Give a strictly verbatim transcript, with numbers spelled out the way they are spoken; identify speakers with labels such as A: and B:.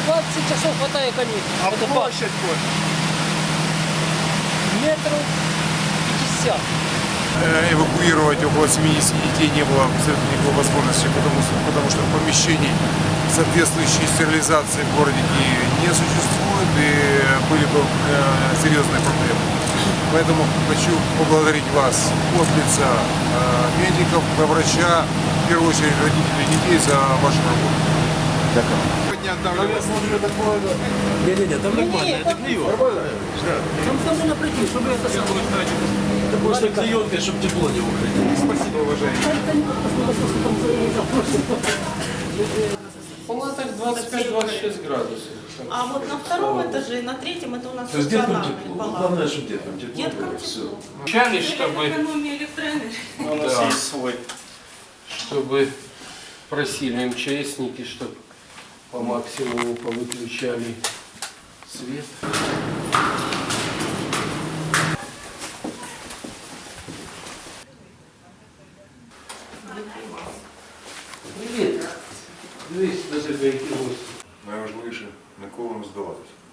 A: двадцать часов хватает каникул.
B: А
A: Это
B: площадь хоть?
A: метров пятьдесят.
C: Э, Эвакуировать около семидесяти детей не было абсолютно никакой возможности, потому что, потому что помещений соответствующей стерилизации в городе Киеве не существует и были бы э, серьезные проблемы. Поэтому хочу поблагодарить вас от лица э, медиков, врача, в первую очередь родителей детей за вашу работу.
D: Не-не-не, там нормально, это клеёнка.
A: Там должно прийти, чтобы это самое.
D: Это просто клеёнка, чтобы тепло не уходило.
C: Спасибо, уважаемые.
E: В палатах двадцать пять — двадцать шесть градусов.
F: А вот на втором этаже, на третьем, это у нас
D: То есть деткам
F: стационарные
D: тепло.
F: палаты.
D: Главное, чтобы деткам тепло.
F: Деткам
D: было, всё.
F: тепло.
E: Вначале, чтобы,
F: Экономия электроэнергии.
E: у нас есть свой, чтобы просили МЧСники, чтобы по максимуму повыключали свет. Привет. Дивись, до тебе які гості.
C: Найважливіше, ніколи не здаватися.